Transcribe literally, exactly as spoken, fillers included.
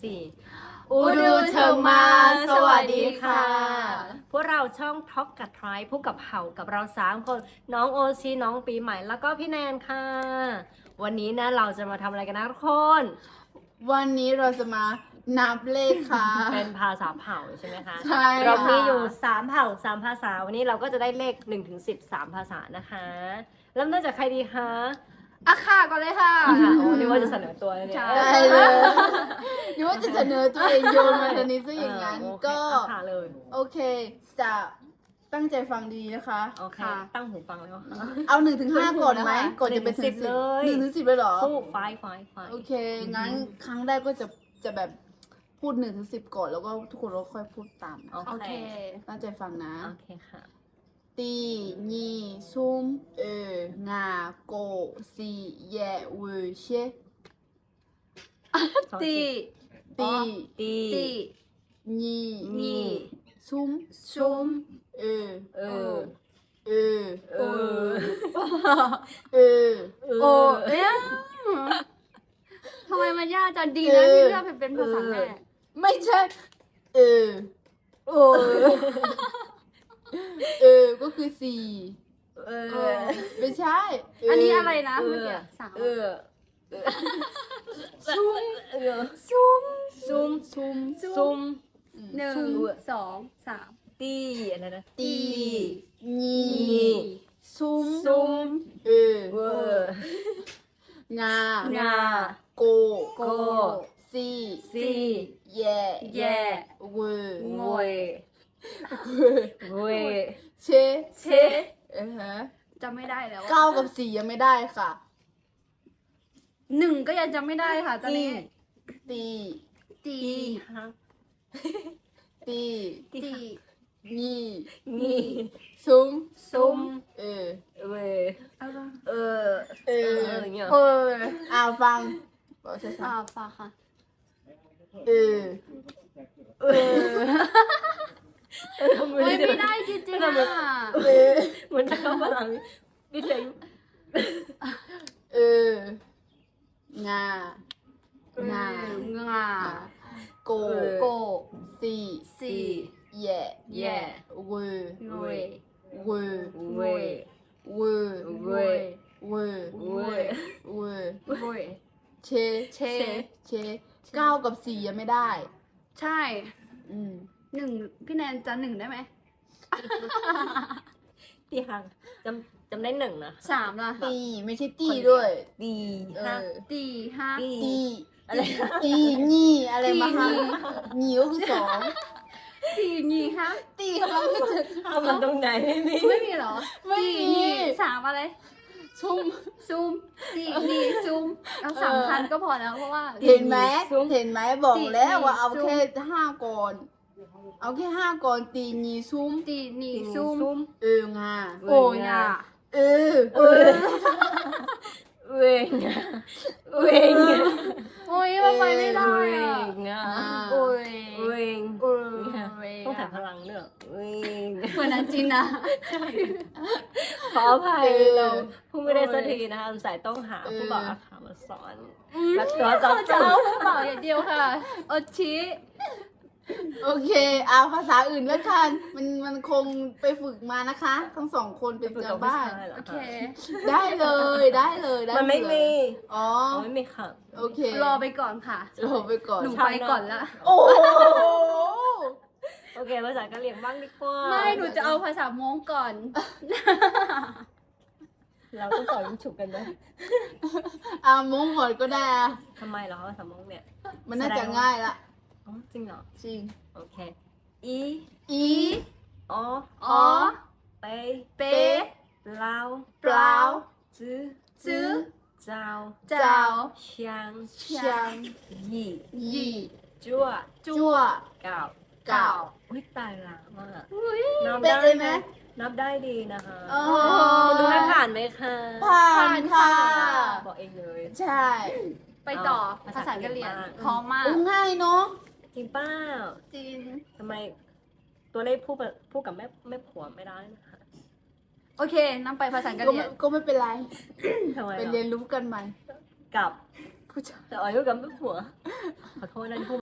สี่อูดูเชิงมาสวัสดีค่ะพวกเราช่องท็อกกับทรายผู้กับเห่ากับเราสามคนน้องโอชีน้องปีใหม่แล้วก็พี่แนนค่ะวันนี้นะเราจะมาทำอะไรกันนะทุกคนวันนี้เราจะมานับเลขค่ะเป็นภาษาเผ่าใช่ไหมคะใช่ค่ะเรามีอยู่สามเผ่าสามภาษาวันนี้เราก็จะได้เลขหนึ่งถึงสิบสามภาษานะคะเริ่มต้นจากใครดีคะอ่ะค่ะก่อนเลยค่ะค่ะโอ้นี่ว่าจะเสนอตัวเลยเนี่ยใช่ได้เลยนึกว่าจะเสนอตัวเองโยนมาตอนนี้ซะอย่างนั้นเออโอเคก็อ่ะค่ะเลยโอเค จะตั้งใจฟังดีนะคะโอเคค่ะตั้งหูฟังแล้วเอาหนึ่งถึงห้าก่อนไหมหนึ่งถึงก่อนจะไปถึงสิบเลยหนึ่งถึงสิบเลยเหรอสู้ไฟไฟไฟโอเค งั้นครั้งแรกก็จะจะแบบพูดหนึ่งถึงสิบก่อนแล้วก็ทุกคนก็ค่อยพูดตามนะโอโอเคเคตั้งใจฟังนะโอเคค่ะตีนีซุมเอองาโกซีแยวเชตีตีตีตีนีนี่ซุมชุมเออเออเออเออเออโอเอ๊ะทำไมมันยากจังดีนะที่เลือกเป็นภาษาแม่ไม่ใช่ เออโอ้เออ ก็คือสี่เอเอออไม่ใช่อันนี้อะไรนะเอเมื่ออกี้สามเออซุมเออชุมซุ่มซุมซุ่มหนึ่งสองสามตีอะไรนะตีนีนี่ซุมซุ่มเออเวอร์งางาโกโกซีซีแย่แย่เวอร์งวยเวยเชเชเออฮะจำไม่ได้แล้วอะเก้ากับสี่ยังไม่ได้ค่ะหนึ่งก็ยังจำไม่ได้ค่ะตอนนี้ตีตีตีฮะตีตีตีนีนี่ซุมซุ่มเออเวยอะไรเออเอเออออย่างเงี้ยเอออ่าฟังบอกช้าอ่าฝากค่ะๆเออเออเออโอ้ยไม่ได้จริงๆอ่ะเออเหมือนจะเข้าพลังวิทยุเอองา งางาโกโกซีสี่แย่แย่เวอร์งวยเวอร์เวยเวอร์เวยเวอร์เวยเวอร์งวยเชเชเชเก้ากับสี่ยังไม่ได้ใช่อืมหนึ่งพี่แนนจะหนึ่งได้ไหมตีหังจำจำได้หนึ่งนะสามล่ะตีไม่ใช่ตีด้วยตีเอห้าอตีห้าตีตีอะไรตีนี่อะไรมาตีฮะนี่นี่ก็คือสองตีนี่ฮะตีกำลังจะห้ามันตรงไหนไม่มีไม่มีเหรอไม่มีตีนี่สามอะไรชุ่มซูมตีนี่ซูมเอาสามพันก็พอแล้วเพราะว่าเห็นไหมเห็นไหมบอกตีแล้วว่าเอาซุ่มแค่ห้าก่อน เอาแค่ห้าก่อนตีนีซุ่มตีนี่ตีซูมซุ่มเอองาโอ้ยอ่ะเออเออเวงอะเวงอะโอ้ยมันไปไม่ได้เวอ่ะงอะโอ้ยเวงโอ้ยต้องถ่ายพลังเนอะเวงเหมือนนั้นจริงนะขออภัยเราผู้ไม่ได้สักทีนะคะสายต้องหาผู้บอกอาขามาสอนแล้วตัวจอเขาจะเอาผู้บ่าวอย่างเดียวค่ะโอชิโอเคเอาภาษาอื่นแล้วกันมันมันคงไปฝึกมานะคะ ทั้งสองคนเป็นการบ้านโอเคได้เลยได้เลยได้มันไม่เลยมีอ๋ออ๋อไม่มีค่ะโอเครอไปก่อนค่ะรอไปก่อนหนูไปก่อนละโอ้โหโอเคภาษากะเหรี่ยงบ้างดีกว่าไม่หนูจะเอาภาษามงก่อนเราต้องต่อยมันฉุกกันไหมอ่ามงก่อนก็ได้อะทำไมเหรอภาษามงเนี่ยมันน่าจะง่ายละอ๋อจริงเหรอจริงโอเคอีอีอ๋ออ๋อไปเป๊เล่าเปล่าจื้อซื้อเจ้าเจ้าเชียงช่างยี่ยี่จั่วจั่วเก่าเก่าอุ้ยตายละมากอุ้ยนับเป๊ะได้เลยไหไหมมนับได้ดีนะคะอ๋อคุณดูให้ผ่านไหมคะผ่านค่ะบอกเองเลยใช่ไปต่อเอาภาษากะเหรี่ยงภาษากะเหรี่ยงพร้อมมากโอ้ง่ายเนาะจริงเป้าจริงทำไมตัวเลขพูดกับพูดกับแม่แม่ผัวไม่ได้นะคะโอเคนั่งไปภาษากะก็เหรี่ไม่ยงก็ไม่เป็นไรทำไมไปหรอเรียนรู้กันใหม่กับผู้ชายแต่อายุกับแม่ผัวขอโทษนะที่พูด